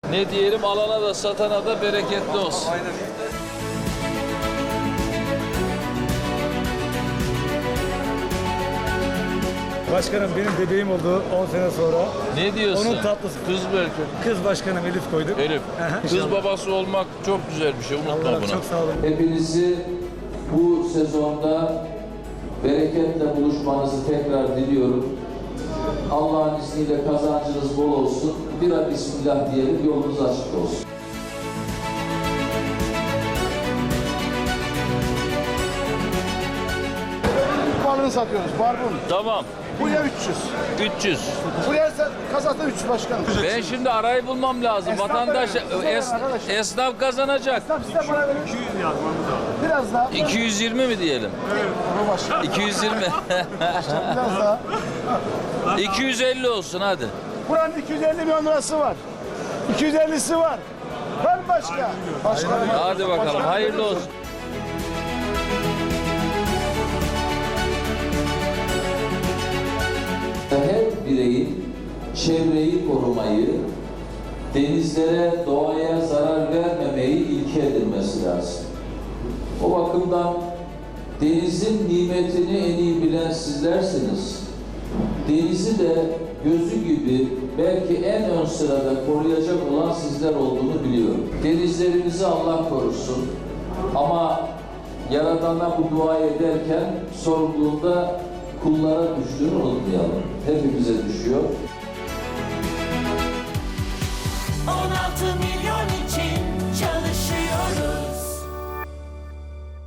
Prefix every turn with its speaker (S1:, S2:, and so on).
S1: Ne diyelim, alana da satana da bereketli olsun.
S2: Aynen.
S3: Başkanım benim bebeğim oldu 10 sene sonra.
S1: Ne diyorsun?
S3: Onun tatlısı.
S1: Kız belki.
S3: Kız başkanım Elif koyduk.
S1: Elif. Kız babası olmak çok güzel bir şey. Unutma
S3: Allah
S1: bunu.
S3: çok sağ olun.
S1: Hepinizi bu sezonda bereketle buluşmanızı tekrar diliyorum. Allah'ın izniyle kazancınız bol olsun. Bira bismillah diyelim, yolunuz açık olsun.
S4: Balını satıyoruz, barbun.
S1: Tamam.
S4: Buraya 300.
S1: 300.
S4: Buraya kazakta 300 başkanım.
S1: Ben şimdi arayı bulmam lazım.
S4: Esnaf
S1: Vatandaş,
S4: verelim. Arkadaşlar.
S1: esnaf kazanacak.
S4: Esnaf size para verin. 200 yazmamız lazım. Biraz daha.
S1: 220 mi diyelim?
S4: Bu başkanım.
S1: 220.
S4: Biraz daha.
S1: 250 olsun hadi.
S4: Buranın 250 milyon lirası var. 250'si var. Var mı başka? Başkanım.
S1: Hadi bakalım. Hayırlı olsun. Her bireyin çevreyi korumayı, denizlere, doğaya zarar vermemeyi ilke edinmesi lazım. O bakımdan denizin nimetini en iyi bilen sizlersiniz. Denizi de gözü gibi belki en ön sırada koruyacak olan sizler olduğunu biliyorum. Denizlerimizi Allah korusun. Ama Yaradan'a bu duayı ederken sorumluluğunda kullara düştüğünü unutmayalım. Hepimize düşüyor.
S5: 16